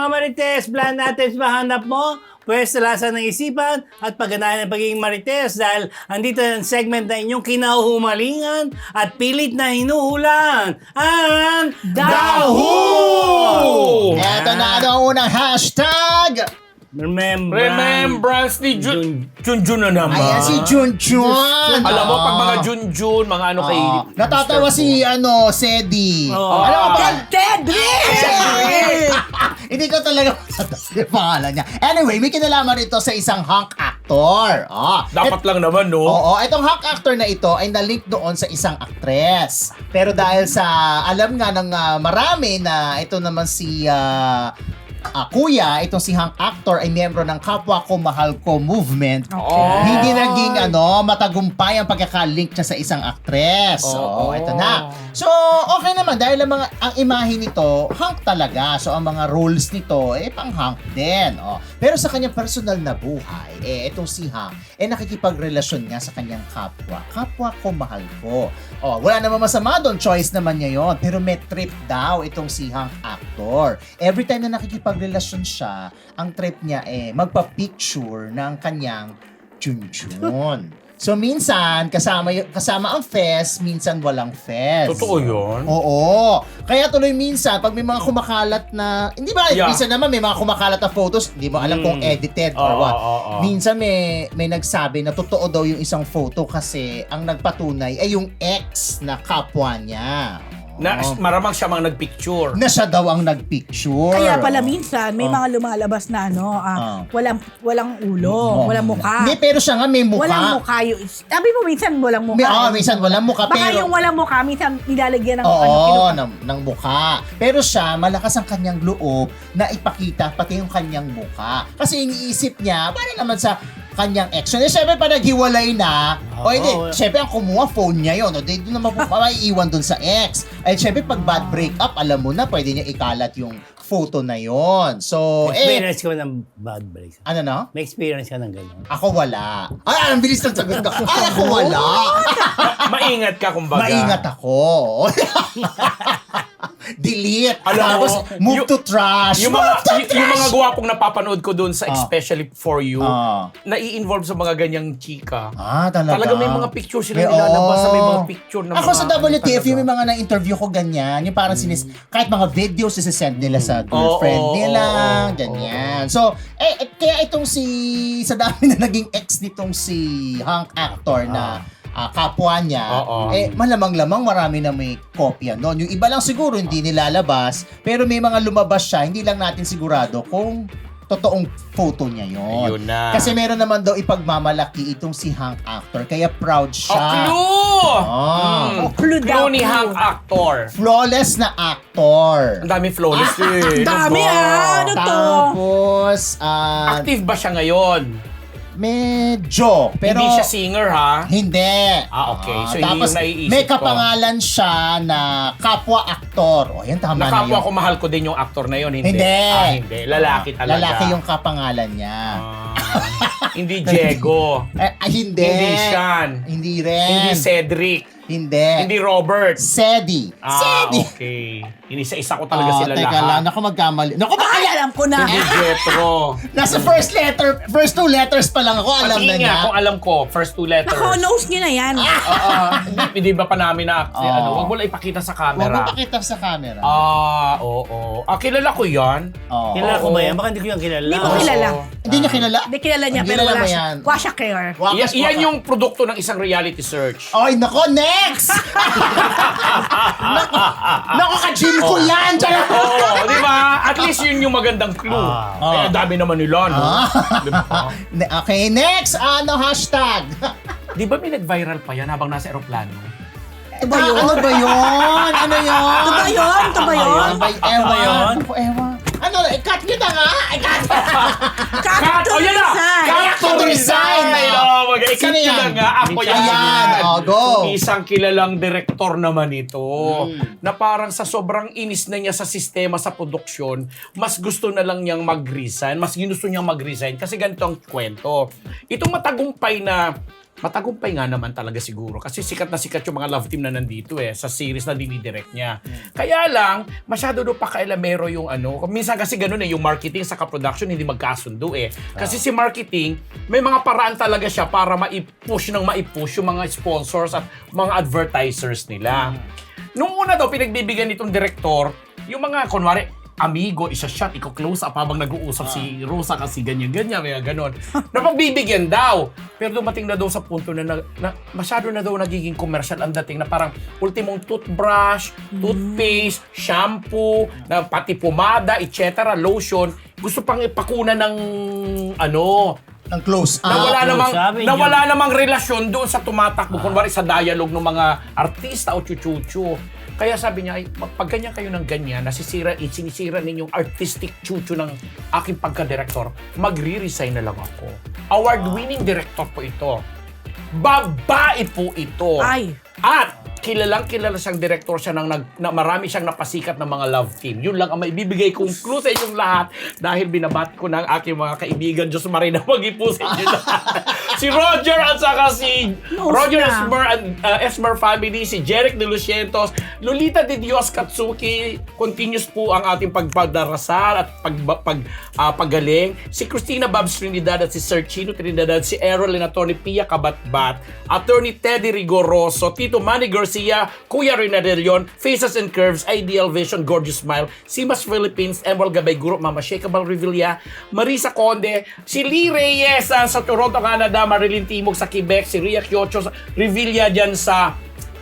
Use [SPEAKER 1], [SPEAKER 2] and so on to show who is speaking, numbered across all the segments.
[SPEAKER 1] mga marites, plan natin mahanap mo, pwes talasan ng isipan at pagganahan ng pagiging marites dahil andito ang segment na inyong kinahumalingan at pilit na hinuhulan ang Dahu!
[SPEAKER 2] Eto na ang unang hashtag!
[SPEAKER 3] Remembrance ni Junjun na naman.
[SPEAKER 2] Ayan si Junjun.
[SPEAKER 3] Alam mo, pag mga Junjun, mga ano kay...
[SPEAKER 2] Natatawa si Sedi.
[SPEAKER 1] Oo.
[SPEAKER 2] Alam mo ba?
[SPEAKER 4] Tedrick!
[SPEAKER 2] Hindi ko talaga masasabi yung pangalan niya. Anyway, may kinalaman ito sa isang hunk actor.
[SPEAKER 3] Dapat lang naman, no?
[SPEAKER 2] Oo, itong hunk actor na ito ay nalink doon sa isang actress. Pero dahil sa alam nga ng marami na ito naman si kuya, itong si hunk actor ay miyembro ng Kapwa Ko Mahal Ko movement. Hindi naging matagumpay ang pagkaka-link niya sa isang actress. Oo, ito na. So, okay naman dahil ang imahe nito, hunk talaga. So, ang mga roles nito, pang-hunk din. Pero sa kanyang personal na buhay, itong si hunk, nakikipagrelasyon nga sa kanyang kapwa. Kapwa ko, mahal ko. Wala namang masama doon, choice naman niya yon. Pero may trip daw itong si hunk actor. Every time na nakikipagrelasyon siya, ang trip niya magpa-picture ng kanyang Junjun. So minsan, kasama ang fest, minsan walang fest.
[SPEAKER 3] Totoo yun?
[SPEAKER 2] Oo. Kaya tuloy minsan, pag may mga kumakalat na, hindi ba, minsan naman may mga kumakalat na photos, hindi mo alam kung edited or what. Minsan may nagsabi na totoo daw yung isang photo kasi ang nagpatunay ay yung ex na kapwa niya.
[SPEAKER 3] Na maramang siya mga nagpicture.
[SPEAKER 2] Na siya daw ang nagpicture.
[SPEAKER 4] Kaya pala minsan, may mga lumalabas na walang ulo, walang mukha.
[SPEAKER 2] Hindi, pero siya nga may mukha.
[SPEAKER 4] Walang mukha yung... Sabi mo minsan walang mukha.
[SPEAKER 2] Minsan walang mukha.
[SPEAKER 4] Baka
[SPEAKER 2] pero,
[SPEAKER 4] yung walang mukha, minsan nilalagyan ng
[SPEAKER 2] ng mukha. Pero siya, malakas ang kanyang loob na ipakita pati yung kanyang mukha. Kasi iniisip niya, para naman sa kanyang ex. So, syempre, pa naghiwalay na, syempre, ang kumuha, phone niya yun. Doon naman po, maiiwan doon sa ex. Ay, syempre, pag bad breakup, alam mo na, pwede niya ikalat yung photo na yon. So,
[SPEAKER 1] Experience ko ng bad break.
[SPEAKER 2] ano na?
[SPEAKER 1] May experience ka ng gano'n?
[SPEAKER 2] Ako wala. Ang bilis ng sagot ko. Ako wala.
[SPEAKER 3] Maingat ka, kumbaga.
[SPEAKER 2] Maingat ako. Delete.
[SPEAKER 3] Alam mo,
[SPEAKER 2] Tapos, move to trash.
[SPEAKER 3] Yung mga gwapong napapanood ko doon sa Especially For You, nai-involve sa mga ganyang chika.
[SPEAKER 2] Talaga?
[SPEAKER 3] Talaga may mga picture sila nilalabas sa may mga picture na
[SPEAKER 2] Ako
[SPEAKER 3] mga...
[SPEAKER 2] sa WTF, yung may mga na-interview ko ganyan, yung parang kahit mga videos isasend nila sa girlfriend nila, ganyan. So, kaya itong sa dami na naging ex nitong si hunk actor na kapwa niya, malamang-lamang marami na may kopya noon. Yung iba lang siguro hindi nilalabas, pero may mga lumabas siya, hindi lang natin sigurado kung totoong photo niya yon.
[SPEAKER 3] Ayun na.
[SPEAKER 2] Kasi meron naman daw ipagmamalaki itong si hunk actor, kaya proud siya.
[SPEAKER 4] Clue daw.
[SPEAKER 3] Clue ni hunk actor.
[SPEAKER 2] Flawless na actor.
[SPEAKER 3] Ang dami flawless eh.
[SPEAKER 4] Dami ano to?
[SPEAKER 2] Tapos,
[SPEAKER 3] Active ba siya ngayon?
[SPEAKER 2] medyo. Pero,
[SPEAKER 3] Hindi siya singer, ha?
[SPEAKER 2] Hindi.
[SPEAKER 3] Okay. So, yun
[SPEAKER 2] tapos,
[SPEAKER 3] yung naiisip
[SPEAKER 2] may
[SPEAKER 3] ko.
[SPEAKER 2] kapangalan siya na kapwa-aktor. Yan, tama na
[SPEAKER 3] Nakapwa
[SPEAKER 2] yun.
[SPEAKER 3] ko mahal ko din yung actor na yun, hindi?
[SPEAKER 2] Hindi.
[SPEAKER 3] Hindi. Lalaki talaga.
[SPEAKER 2] Lalaki yung kapangalan niya.
[SPEAKER 3] Hindi Diego.
[SPEAKER 2] Hindi.
[SPEAKER 3] Hindi Sean.
[SPEAKER 2] Hindi rin.
[SPEAKER 3] Hindi Cedric.
[SPEAKER 2] Hindi.
[SPEAKER 3] Hindi Robert.
[SPEAKER 2] Sedi. Sedi.
[SPEAKER 3] Okay. Inisa-isa ko talaga sila
[SPEAKER 2] teka
[SPEAKER 3] lahat.
[SPEAKER 2] lang. Naku, magkamali. Naku,
[SPEAKER 4] Ay, alam ko na.
[SPEAKER 3] Hindi Jetro.
[SPEAKER 2] nasa first two letters pa lang ako. Alam na
[SPEAKER 3] Pati
[SPEAKER 2] niya.
[SPEAKER 3] nga kung alam ko, first two letters.
[SPEAKER 4] Nako, nose niyo na yan.
[SPEAKER 3] Hindi ba pa namin na huwag mo lang ipakita sa
[SPEAKER 2] Huwag mo
[SPEAKER 3] camera.
[SPEAKER 2] pakita sa camera.
[SPEAKER 3] Oo. Kilala ko yan.
[SPEAKER 1] Kilala ko ba yan? Baka hindi ko yan kilala.
[SPEAKER 4] Hindi mo kilala.
[SPEAKER 2] Hindi niya kilala?
[SPEAKER 4] Hindi kilala niya,
[SPEAKER 2] Hindi
[SPEAKER 4] pero
[SPEAKER 2] kilala
[SPEAKER 4] wala
[SPEAKER 2] mo
[SPEAKER 4] siya.
[SPEAKER 2] yan.
[SPEAKER 4] Wala siya care.
[SPEAKER 3] Yan yung produkto ng isang reality search.
[SPEAKER 2] Ay, nako, next! Nako, ka-gym ko yan!
[SPEAKER 3] Oo, di ba? At least yun yung magandang clue. Kaya dami naman nila, no? Di ba?
[SPEAKER 2] Okay, next! Hashtag?
[SPEAKER 3] Di ba may nag-viral pa yan habang nasa aeroplano?
[SPEAKER 2] Ano ba yun? Ano ba yun? Ano yun?
[SPEAKER 4] Ito ba yun? Ito ba yun?
[SPEAKER 2] Ewan. Ewan. Ano, cut nyo na nga! Cut!
[SPEAKER 4] Cut to
[SPEAKER 3] yan na!
[SPEAKER 4] resign.
[SPEAKER 3] Cut to resign!
[SPEAKER 2] Sino
[SPEAKER 3] Sino
[SPEAKER 2] yan?
[SPEAKER 3] yan? Nga, ako yan.
[SPEAKER 2] Ayan, go!
[SPEAKER 3] Isang kilalang direktor naman ito na parang sa sobrang inis na niya sa sistema sa produksyon, mas gusto na lang niyang mag-resign, mas ginusto niyang mag-resign kasi ganito ang kwento. Itong matagumpay na matagumpay nga naman talaga siguro. Kasi sikat na sikat yung mga love team na nandito sa series na dinidirect niya. Kaya lang, masyado do pakailamero yung minsan kasi ganun yung marketing sa production hindi magkasundo Kasi si marketing, may mga paraan talaga siya para maipush yung mga sponsors at mga advertisers nila. Nung una daw, pinagbibigyan nitong direktor, yung mga, kunwari, amigo, isa-shot, iko-close up habang nag-uusap si Rosa kasi ganyan-ganyan, may ganon. Napagbibigyan daw. Pero dumating na daw sa punto na masyado na daw nagiging commercial ang dating na parang ultimong toothbrush, toothpaste, shampoo, na pati pomada, etc., lotion. Gusto pang ipakuna ng
[SPEAKER 2] Ng close up.
[SPEAKER 3] Nawala namang relasyon doon sa tumatakbo, kunwari sa dialogue ng mga artista o chuchuchu. Kaya sabi niya, pag ganyan kayo ng ganyan, sinisira ninyong artistic chuchu ng aking pagka-director, magre-resign na lang ako. Award-winning director po ito. Babae po ito.
[SPEAKER 4] Ay.
[SPEAKER 3] At kilala siyang director siya marami siyang napasikat ng mga love team. Yun lang ang maibibigay kong clue sa inyong lahat dahil binabat ko ng aking mga kaibigan. Diyos Marina, mag-ipo sa inyo lahat. Si Roger at saka si Roger Esmer family, si Jeric De Lucientos, Lolita De Dios Katsuki, continuous po ang ating pagpadarasal at paggaling. Si Christina Babs Trinidad at si Sir Chino Trinidad, si Errol and Atty. Pia Kabatbat, Attorney Teddy Rigoroso, Tito Manny Garcia, Kuya Rina De Leon, Faces and Curves, Ideal Vision, Gorgeous Smile, Simas Philippines, Emerald Gabay Guro, Mama Shakeable Revilla, Marisa Conde, si Lee Reyes sa Toronto, Canada, Marilyn Timog sa Quebec, si Ria Kiocho Revilla dyan sa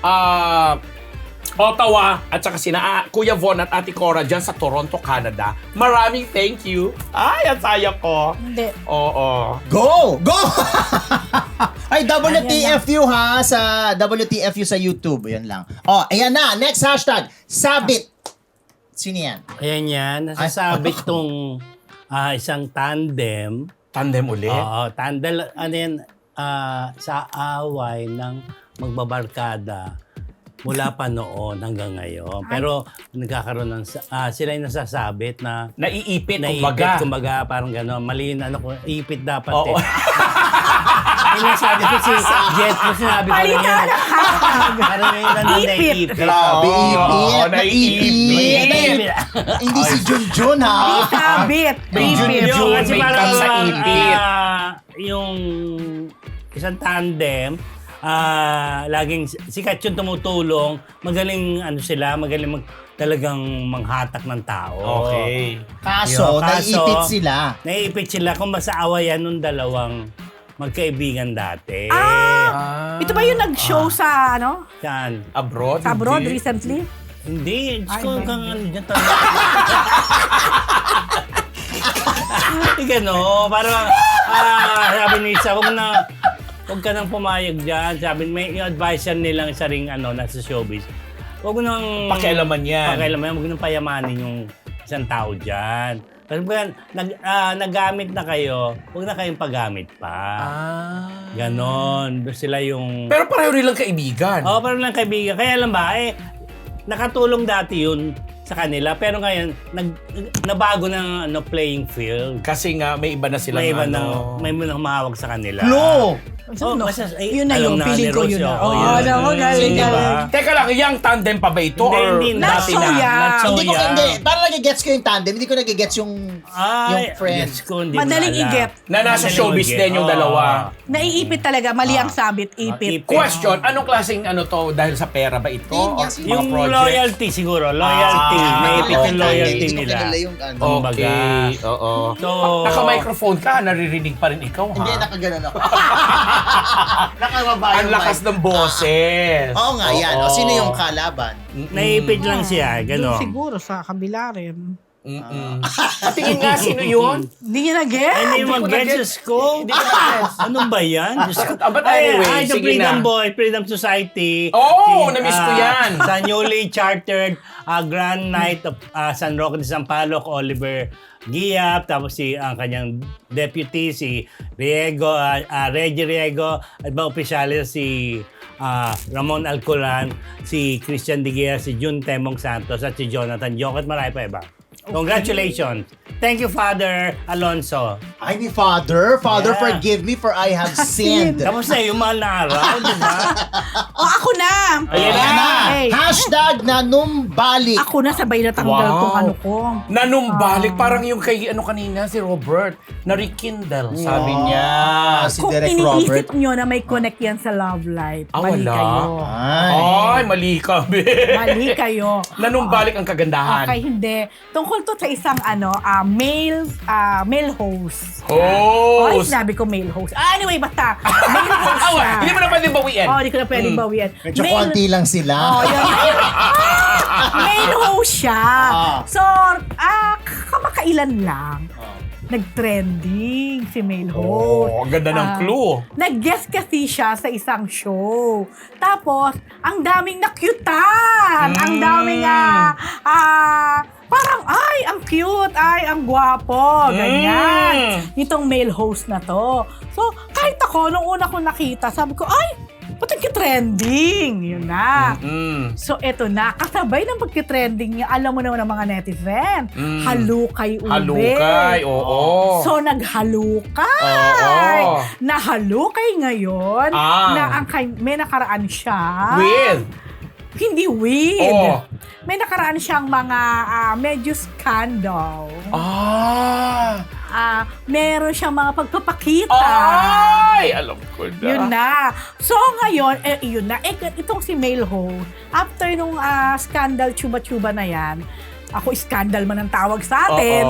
[SPEAKER 3] Ottawa, at saka sina Kuya Von at Ate Cora dyan sa Toronto, Canada. Maraming thank you. Ay, ang saya ko.
[SPEAKER 4] Hindi.
[SPEAKER 3] Oo.
[SPEAKER 2] Go! Ay, WTFU ha, sa WTFU sa YouTube. Yan lang. Ayan na. Next hashtag. Sabit. Sino yan?
[SPEAKER 1] Ayan yan. Nasasabit tong isang tandem.
[SPEAKER 3] Tandem ulit?
[SPEAKER 1] Oo, tandem. Sa away ng magbabarkada mula pa noon hanggang ngayon. Pero nagkakaroon ng sila yung nasasabit na
[SPEAKER 3] Naiipit,
[SPEAKER 1] kumbaga parang gano'n. Mali na ipit dapat
[SPEAKER 3] Oo.
[SPEAKER 1] Yung sabi ko si Jet ko sinabi ko rin yun. Parang yung naiipit.
[SPEAKER 2] Grabe, ipit.
[SPEAKER 3] Naiipit.
[SPEAKER 2] Hindi si Junjun ha.
[SPEAKER 4] Sabit.
[SPEAKER 3] Junjun,
[SPEAKER 1] Kasi
[SPEAKER 3] may
[SPEAKER 1] parang
[SPEAKER 3] sa ipit.
[SPEAKER 1] yung isang tandem, laging sikat yung tumutulong, magaling talagang manghatak ng tao.
[SPEAKER 2] Okay. Kaso, naiipit sila.
[SPEAKER 1] Naiipit sila kung masaawayan nung dalawang magkaibigan dati.
[SPEAKER 4] Ito ba yung nag-show sa
[SPEAKER 1] Saan?
[SPEAKER 3] Abroad?
[SPEAKER 4] Sa abroad
[SPEAKER 3] Hindi.
[SPEAKER 4] recently?
[SPEAKER 1] Hindi. Diyos
[SPEAKER 4] Ay,
[SPEAKER 1] ko,
[SPEAKER 4] hindi.
[SPEAKER 1] kang dyan talaga. Parang sabi ni Isa, huwag ka nang pumayag dyan. Sabi, may advisor nilang isa ring nasa showbiz. Huwag mo nang
[SPEAKER 3] Pakialaman yan.
[SPEAKER 1] huwag mo nang payamanin yung isang tao dyan. Kasi naggamit na kayo, huwag na kayong paggamit pa. Ganon. Sila yung...
[SPEAKER 3] Pero pareho nilang kaibigan.
[SPEAKER 1] Oo, parang lang kaibigan. Kaya lang ba, nakatulong dati yun sa kanila. Pero ngayon, nabago ng playing field.
[SPEAKER 3] Kasi nga, may iba na silang
[SPEAKER 1] May iba may humahawag sa kanila.
[SPEAKER 2] Lo!
[SPEAKER 4] Yun na yung feeling ko yun na. Galing.
[SPEAKER 3] Teka lang, yung tandem pa ba ito?
[SPEAKER 1] Hindi.
[SPEAKER 3] Dati
[SPEAKER 4] Not so
[SPEAKER 3] na?
[SPEAKER 4] young.
[SPEAKER 2] Hindi. Parang nagigets ko yung tandem. Hindi ko nagigets yung friends.
[SPEAKER 4] Madaling i-get.
[SPEAKER 3] Na nasa showbiz din yung dalawa.
[SPEAKER 4] Naiipit talaga. Mali ang sabit. Ipit.
[SPEAKER 3] Question, anong klaseng to? Dahil sa pera ba ito? O mga
[SPEAKER 1] Yung
[SPEAKER 3] project?
[SPEAKER 1] loyalty siguro. Loyalty. Naipit yung loyalty nila.
[SPEAKER 3] Okay, oo.
[SPEAKER 1] So,
[SPEAKER 3] Naka-microphone ka, naririnig pa rin ikaw, ha?
[SPEAKER 2] Hindi, nakaganon ako. Nakababa
[SPEAKER 3] Ang
[SPEAKER 2] yung
[SPEAKER 3] lakas
[SPEAKER 2] mic.
[SPEAKER 3] ng boses.
[SPEAKER 2] Oo nga, yan. O, sino yung kalaban?
[SPEAKER 1] naipit lang siya. Ganon.
[SPEAKER 4] Siguro sa kabila rin.
[SPEAKER 3] Tingin nga, sino yun?
[SPEAKER 4] Hindi niya na-get.
[SPEAKER 1] Hindi mo mag-gets ko. Ano ba yan? Diyos ko.
[SPEAKER 3] But anyway,
[SPEAKER 1] The
[SPEAKER 3] sige
[SPEAKER 1] Freedom
[SPEAKER 3] na.
[SPEAKER 1] Boy, Freedom Society.
[SPEAKER 3] Na-miss ko yan.
[SPEAKER 1] Sa newly chartered Grand Knight of San Roque de Sampaloc, Oliver Giap, tapos ang kanyang deputy, si Reggie Riego, at mga opisyalis si Ramon Alcoran, si Christian De Guerra, si Jun Temong Santos, at si Jonathan Jokot, marami pa iba. Congratulations. Thank you, Father Alonso.
[SPEAKER 2] Ay, ni Father. Father,
[SPEAKER 1] Yeah.
[SPEAKER 2] forgive me for I have sinned.
[SPEAKER 1] Tapos na yung mahal na araw, di ba?
[SPEAKER 4] O, ako na!
[SPEAKER 1] Ayan
[SPEAKER 2] Ayan na.
[SPEAKER 4] Hey.
[SPEAKER 2] Hashtag nanumbalik.
[SPEAKER 4] Ako na, sabay na tanggal
[SPEAKER 3] Wow.
[SPEAKER 4] tong ano ko.
[SPEAKER 3] Nanumbalik, parang yung kay kanina, si Robert, na rekindle, sabi niya.
[SPEAKER 2] Si
[SPEAKER 4] Kung
[SPEAKER 2] Direk
[SPEAKER 4] iniisip
[SPEAKER 2] Robert.
[SPEAKER 4] nyo na may connect yan sa love life, mali
[SPEAKER 3] wala.
[SPEAKER 4] kayo.
[SPEAKER 3] Ay, mali kami.
[SPEAKER 4] Mali kayo.
[SPEAKER 3] Nanumbalik ang kagandahan.
[SPEAKER 4] Okay, hindi. Tungkol to sa isang male host. Ay,
[SPEAKER 3] Host.
[SPEAKER 4] sinabi ko male host. Anyway, basta. Male host siya.
[SPEAKER 3] Hindi mo na pwedeng bawiin.
[SPEAKER 4] Oh, hindi ko na pwedeng bawian.
[SPEAKER 2] Medyo konti lang sila.
[SPEAKER 4] Oh, yun. Male host siya. So, kamakailan lang. Nag-trending si male host.
[SPEAKER 3] Oh, ang ganda ng clue.
[SPEAKER 4] Nag-guest kasi siya sa isang show. Tapos, ang daming nakyutan. Ang daming, parang, ay, ang cute, ay, ang gwapo. Ganyan. Nitong male host na to. So, kahit ako, nung una ko nakita, sabi ko, ay, ba't nagki-trending? Yun na. So, eto na. Kasabay ng pagki-trending niya, alam mo naman ang mga netizen. Halukay ube.
[SPEAKER 3] Halukay, oo.
[SPEAKER 4] So, naghalukay.
[SPEAKER 3] Oo.
[SPEAKER 4] Nahalukay ngayon na may nakaraan siya.
[SPEAKER 3] With?
[SPEAKER 4] Hindi with.
[SPEAKER 3] Oh.
[SPEAKER 4] May nakaraan siyang mga medyo scandal. Meron siyang mga pagpapakita.
[SPEAKER 3] Ay, alam ko na.
[SPEAKER 4] Yun na. So ngayon, yun na. Itong si male host, after nung scandal chuba-chuba na yan, ako scandal man ang tawag sa atin,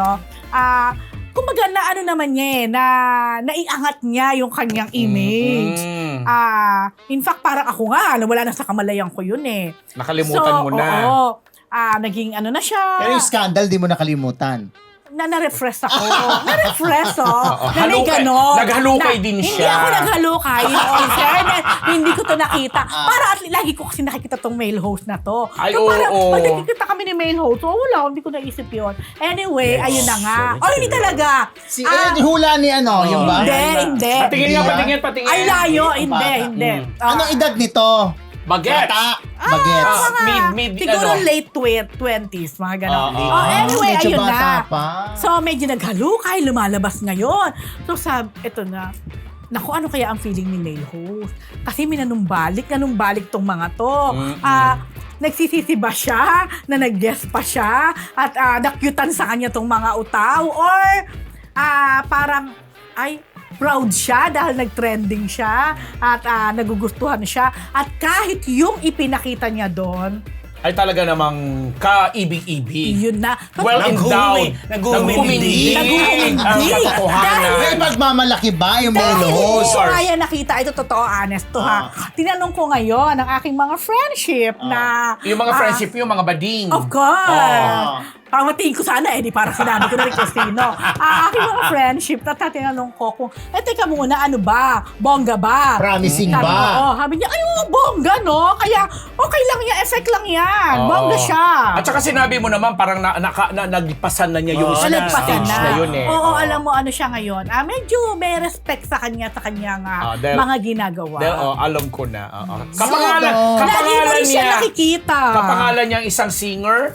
[SPEAKER 4] kumbaga na ano naman niya naiangat niya yung kanyang image. In fact, parang ako nga, wala na sa kamalayan ko yun eh.
[SPEAKER 3] Nakalimutan mo na.
[SPEAKER 4] Oo. Naging ano na siya.
[SPEAKER 2] Pero yung scandal, di mo nakalimutan.
[SPEAKER 4] Na-refresh ako. Na-refresh, na may
[SPEAKER 3] Halukay.
[SPEAKER 4] ganon.
[SPEAKER 3] Naghalukay din
[SPEAKER 4] Hindi
[SPEAKER 3] siya.
[SPEAKER 4] ako naghalukay. In all fairness, hindi ko to nakita. Para at lagi ko kasi nakikita tong male host na to.
[SPEAKER 3] Ay,
[SPEAKER 4] So, parang,
[SPEAKER 3] oo.
[SPEAKER 4] pag nakikita kami ni male host, wala, hindi ko naisip yun. Anyway, ayun na nga. Hindi talaga.
[SPEAKER 2] Hula ni yung ba?
[SPEAKER 4] Hindi.
[SPEAKER 3] Patingin.
[SPEAKER 4] Ay, layo. Hindi.
[SPEAKER 2] Anong edad nito?
[SPEAKER 3] Bagets.
[SPEAKER 2] Bagets.
[SPEAKER 4] Siguro late 20s, mga ganon. Anyway,
[SPEAKER 2] medyo
[SPEAKER 4] ayun
[SPEAKER 2] bata
[SPEAKER 4] na.
[SPEAKER 2] pa.
[SPEAKER 4] So, medyo naghalukay, lumalabas ngayon. So, eto na. Naku, ano kaya ang feeling ni male host? Kasi nanumbalik tong mga to. Nagsisisi ba siya na nag-guest pa siya at nakyutan sa kanya tong mga utaw? Or parang, proud siya dahil nag-trending siya at nagugustuhan siya. At kahit yung ipinakita niya doon,
[SPEAKER 3] ay talaga namang kaibig-ibig.
[SPEAKER 4] yun na.
[SPEAKER 3] Well endowed.
[SPEAKER 1] Naghuhumindig.
[SPEAKER 3] Ang katotohanan.
[SPEAKER 2] May magmamalaki ba yung male
[SPEAKER 4] Dahil
[SPEAKER 2] host?
[SPEAKER 4] hindi ko kaya nakita, ito totoo, honest to ha. Tinanong ko ngayon ang aking mga friendship na...
[SPEAKER 3] Yung mga friendship, yung mga bading.
[SPEAKER 4] Of course. Pamatiin ko sana di parang sinabi ko na rin kung sino. Aking mga friendship, tinanong ko kung, teka muna, ano ba? Bongga ba?
[SPEAKER 2] Promising
[SPEAKER 4] Sabi
[SPEAKER 2] ba?
[SPEAKER 4] ko, sabi niya, bongga no? Kaya, okay lang yan, effect lang yan. Bongga siya.
[SPEAKER 3] At saka sinabi mo naman, parang nagpasan na niya yung
[SPEAKER 4] Nagpasan
[SPEAKER 3] stage na yun eh.
[SPEAKER 4] Oo, alam mo ano siya ngayon. Medyo may respect sa kanyang mga ginagawa.
[SPEAKER 3] Alam ko na.
[SPEAKER 4] Lagi mo rin siya nakikita.
[SPEAKER 3] Kapangalan niya isang singer.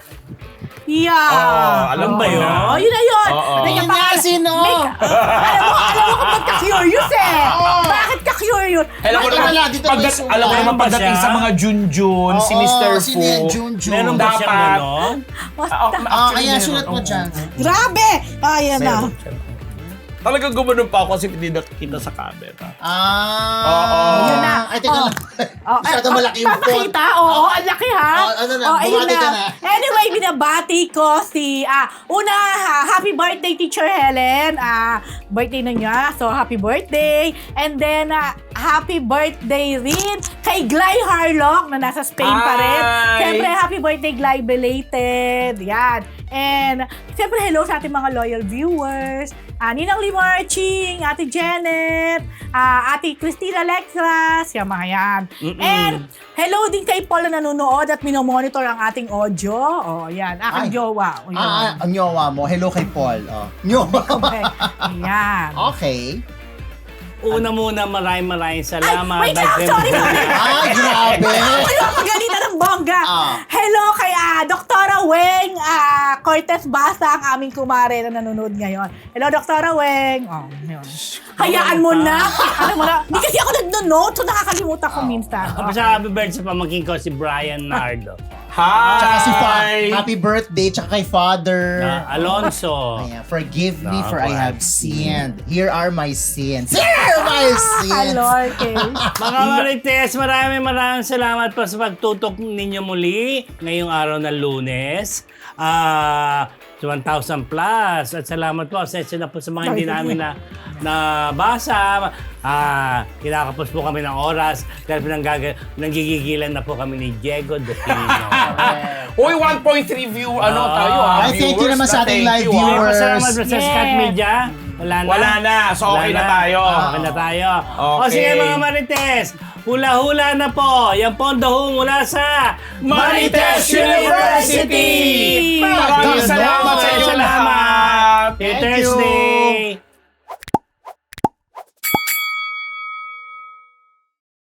[SPEAKER 4] Yeah.
[SPEAKER 3] Alam ba yun?
[SPEAKER 4] Yun na yun.
[SPEAKER 2] Yun nga, sino?
[SPEAKER 4] Alam mo kapag ka-curious eh. Bakit ka-curious?
[SPEAKER 3] Alam mo naman pagdating sa mga Junjun, si Mr. Fu.
[SPEAKER 2] Sino yan, Junjun?
[SPEAKER 1] Meron ba
[SPEAKER 3] Dapat.
[SPEAKER 1] siyang ganon?
[SPEAKER 2] Ayan, sulat mo dyan.
[SPEAKER 4] Grabe! Ayan na.
[SPEAKER 3] Talagang gumanon pa ako kasi hindi nakikita sa camera.
[SPEAKER 4] Yun na.
[SPEAKER 2] Ay, teka lang. Masyado malaki yung font.
[SPEAKER 4] Papakita? Oo, ang laki ha.
[SPEAKER 2] Ano na,
[SPEAKER 4] ayun
[SPEAKER 2] bumati ka na.
[SPEAKER 4] Anyway, binabati ko si, happy birthday Teacher Helen. Birthday na niya, so happy birthday. And then, happy birthday rin kay Gly Harlock na nasa Spain pa rin.
[SPEAKER 3] Hi!
[SPEAKER 4] Siyempre, happy birthday Gly belated. Yan. And, siyempre, hello sa ating mga loyal viewers. Ninang Limarching, Ate Janet, Ate Christina Lexras, yung mga yan. And, hello din kay Paul na nanonood at minomonitor ang ating audio. Yan. Aking jowa.
[SPEAKER 2] Ang nyowa mo. Hello kay Paul. Nyowa.
[SPEAKER 4] Okay. Yan.
[SPEAKER 2] Okay.
[SPEAKER 1] Una muna, maraming salamat.
[SPEAKER 4] Wait lang, sorry.
[SPEAKER 2] Ay, grabe.
[SPEAKER 4] Ano ang pagalitan ng bongga? Hello kay Dr. Weng Cortez Basa ang aming kumare na nanonood ngayon. Hello, Dr. Weng. Oh, yun. Hayaan mo na. Ano mo na. Hindi kasi ako nag-note, so nakakalimutan ko minsan.
[SPEAKER 1] Tapos sa happy birthday sa pamangkin ko, si Brian Nardo.
[SPEAKER 3] Hi!
[SPEAKER 2] Tsaka si Happy birthday, tsaka kay Father.
[SPEAKER 1] Alonso.
[SPEAKER 2] Ayan, forgive me
[SPEAKER 1] Naku,
[SPEAKER 2] for I have
[SPEAKER 1] I've
[SPEAKER 2] sinned. Here are my sins. Here are my sins.
[SPEAKER 4] Hello, okay.
[SPEAKER 1] Mga Marites, maraming salamat po sa pagtutok ninyo muli ngayong araw ng Lunes. 1,000 plus. At salamat po. Session na po sa mga hindi namin nabasa. Kinakapos po kami ng oras dahil nanggigigilan na po kami ni Diego de Pino.
[SPEAKER 3] Uy, 1.3 view, tayo ha?
[SPEAKER 2] Ay, thank you naman sa ating live
[SPEAKER 3] Thank you,
[SPEAKER 2] viewers.
[SPEAKER 1] Salamat po sa
[SPEAKER 4] Yes.
[SPEAKER 1] Scat Media. Wala na.
[SPEAKER 3] Wala na. So, okay
[SPEAKER 1] Wala
[SPEAKER 3] na tayo.
[SPEAKER 1] Okay na tayo. O
[SPEAKER 3] Okay.
[SPEAKER 1] sige mga Marites, hula-hula na po. Yan po ang daho mula sa
[SPEAKER 3] Marites University! Maraming
[SPEAKER 2] Ganon.
[SPEAKER 3] salamat sa inyo
[SPEAKER 1] Salamat.
[SPEAKER 3] lahat!
[SPEAKER 1] Till
[SPEAKER 2] Thank you.
[SPEAKER 1] Thursday.